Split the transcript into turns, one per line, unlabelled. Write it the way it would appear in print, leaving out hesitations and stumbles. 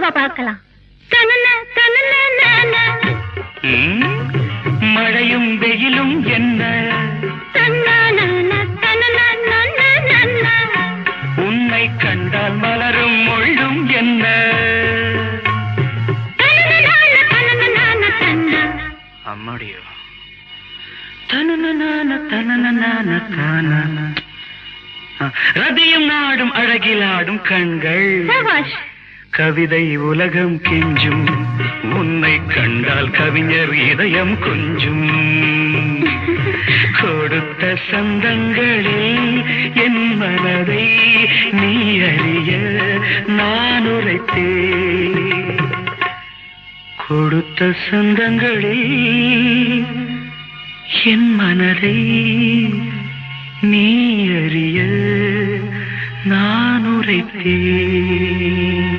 பார்க்கலாம்.
மழையும் வெயிலும் என்ன, உன்னை கண்டால் மலரும் முள்ளும் என்ன, அம்மாடியோ ரதியும் நாடும் அழகிலாடும் கண்கள், கவிதை உலகம் கெஞ்சும், உன்னை கண்டால் கவிஞர் இதயம் கொஞ்சும். கொடுத்த சந்தங்களில் என் மனதை நீ அறிய நான் உரைத்தேன். கொடுத்த சந்தங்களில் என் மனதை நீ அறிய நான் உரைத்தேன்.